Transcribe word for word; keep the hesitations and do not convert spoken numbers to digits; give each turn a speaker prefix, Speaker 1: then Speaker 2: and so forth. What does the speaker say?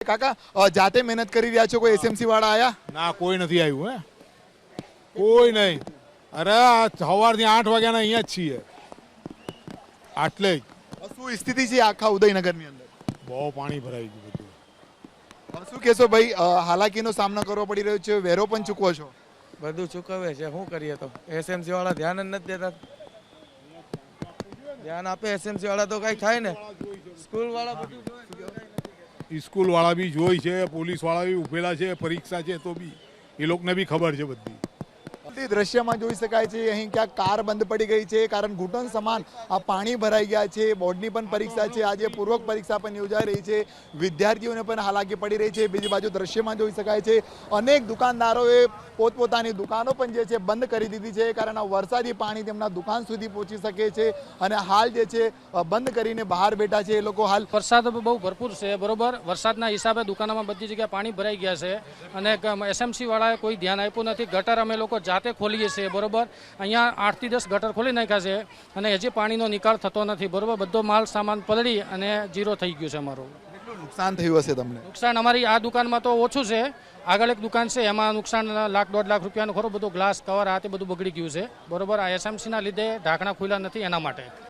Speaker 1: કાકા અ, જાતે મહેનત કરી રહ્યા છો, કોઈ એસએમસી વાળા આયા?
Speaker 2: ના, કોઈ નથી આવ્યું. હે કોઈ નહીં. અરે આ સવારથી આઠ વાગ્યાના અહીંયા જ છીએ, આટલે જ.
Speaker 1: શું સ્થિતિ છે આખા ઉદયનગરની અંદર?
Speaker 2: બહુ પાણી ભરાઈ ગયું બધું.
Speaker 1: હવે શું કહેશો ભાઈ, અ, હાલાકીનો સામનો કરવો પડી રહ્યો છે, વેરો પણ ચૂકવો છો?
Speaker 3: બધું ચૂકવે છે, શું કરીએ તો એસએમસી વાળા ધ્યાન જ નથી દેતા. ધ્યાન આપે એસએમસી વાળા તો કઈ થાય ને. સ્કૂલ વાળા બધું જોવે.
Speaker 2: સ્કૂલ વાળા બી જોઈ છે, પોલીસ વાળા બી ઉભેલા છે, પરીક્ષા છે તો બી એ લોકોને બી ખબર છે બધી.
Speaker 1: તે દ્રશ્યમાં જોઈ શકાય છે અહીં ક્યાંક કાર બંધ પડી ગઈ છે, કારણ ઘૂંટણ સમાન આ પાણી ભરાઈ ગયા છે. બોર્ડની પણ પરીક્ષા છે, આજે પૂર્વક પરીક્ષા પણ યોજાઈ રહી છે, વિદ્યાર્થીઓને પણ હાલાકી પડી રહી છે. બીજી બાજુ દ્રશ્યમાં જોઈ શકાય છે અનેક દુકાનદારોએ પોતપોતાની દુકાનો પણ જે છે બંધ કરી દીધી છે, કારણ આ વરસાદી પાણી તેમના દુકાન સુધી પહોંચી શકે છે અને હાલ જે છે બંધ કરીને બહાર બેઠા છે એ લોકો. હાલ
Speaker 4: વરસાદ બહુ ભરપૂર છે, બરોબર. વરસાદના હિસાબે દુકાનોમાં બધી જગ્યાએ પાણી ભરાઈ ગયા છે અને એસએમસી વાળાએ કોઈ ધ્યાન આપ્યું નથી. ગટર અમે લોકો જાતે ખોલીએ છીએ, બરોબર. અહીંયા આઠ થી દસ ગટર ખોલી નાખ્યા છે અને હજી પાણીનો નિકાલ થતો નથી, બરોબર. બધો માલ સામાન પલળી અને જીરો થઈ ગયું છે અમારું.
Speaker 1: કેટલું નુકસાન થયું હશે તમને?
Speaker 4: નુકસાન અમારી આ દુકાનમાં તો ઓછું છે, આગળ એક દુકાન છે એમાં નુકસાન લાખ દોઢ લાખ રૂપિયાનું ખરું. બધું ગ્લાસ કવર આ તે બધું બગડી ગયું છે, બરોબર. આ એસએમસીના લીધે ઢાંકણા ખુલ્લા નથી એના માટે.